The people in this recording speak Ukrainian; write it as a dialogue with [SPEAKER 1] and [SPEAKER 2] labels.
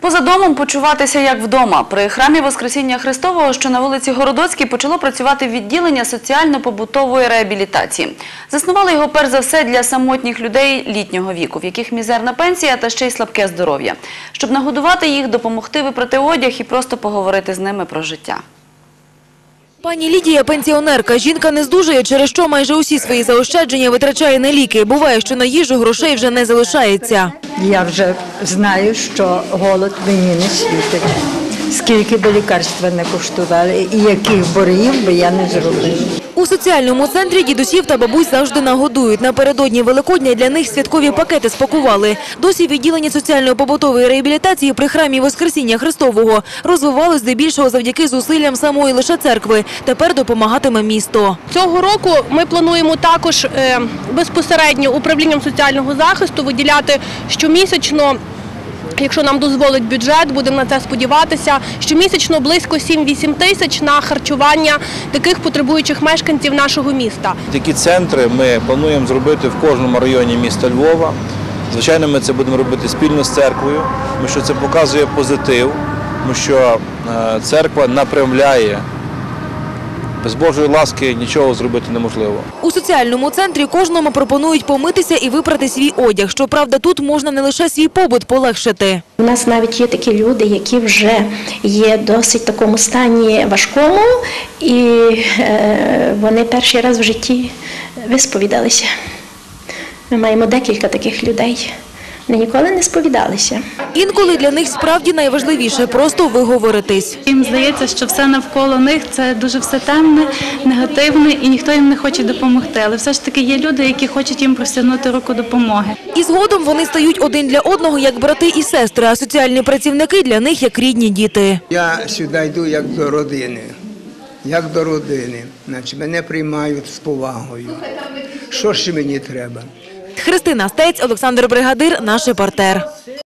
[SPEAKER 1] Поза домом почуватися як вдома. При храмі Воскресіння Христового, що на вулиці Городоцькій, почало працювати відділення соціально-побутової реабілітації. Заснували його перш за все для самотніх людей літнього віку, в яких мізерна пенсія та ще й слабке здоров'я. Щоб нагодувати їх, допомогти випрати одяг і просто поговорити з ними про життя.
[SPEAKER 2] Пані Лідія – пенсіонерка. Жінка не здужує, через що майже усі свої заощадження витрачає на ліки. Буває, що на їжу грошей вже не залишається.
[SPEAKER 3] Я вже знаю, що голод мені не світить. Скільки би лікарства не коштували і яких боргів би я не зробила.
[SPEAKER 2] У соціальному центрі дідусів та бабусь завжди нагодують. Напередодні Великодня для них святкові пакети спакували. Досі відділення соціально-побутової реабілітації при храмі Воскресіння Христового розвивалось здебільшого завдяки зусиллям самої лише церкви. Тепер допомагатиме місто.
[SPEAKER 4] Цього року ми плануємо також безпосередньо управлінням соціального захисту виділяти щомісячно, якщо нам дозволить бюджет, будемо на це сподіватися, щомісячно близько 7-8 тисяч на харчування таких потребуючих мешканців нашого міста.
[SPEAKER 5] Такі центри ми плануємо зробити в кожному районі міста Львова. Звичайно, ми це будемо робити спільно з церквою, тому що це показує позитив, тому що церква направляє. Без Божої ласки нічого зробити неможливо.
[SPEAKER 2] У соціальному центрі кожному пропонують помитися і випрати свій одяг. Щоправда, тут можна не лише свій побут полегшити.
[SPEAKER 6] У нас навіть є такі люди, які вже є досить в такому стані важкому, і вони перший раз в житті висповідалися. Ми маємо декілька таких людей. Вони ніколи не сповідалися.
[SPEAKER 2] Інколи для них справді найважливіше – просто виговоритись.
[SPEAKER 7] Їм здається, що все навколо них – це дуже все темне, негативне і ніхто їм не хоче допомогти. Але все ж таки є люди, які хочуть їм простягнути руку допомоги.
[SPEAKER 2] І згодом вони стають один для одного як брати і сестри, а соціальні працівники для них як рідні діти.
[SPEAKER 8] Я сюди йду як до родини. Як до родини. Значить, мене приймають з повагою. Що ще мені треба?
[SPEAKER 2] Христина Стець, Олександр Бригадир, наш репортер.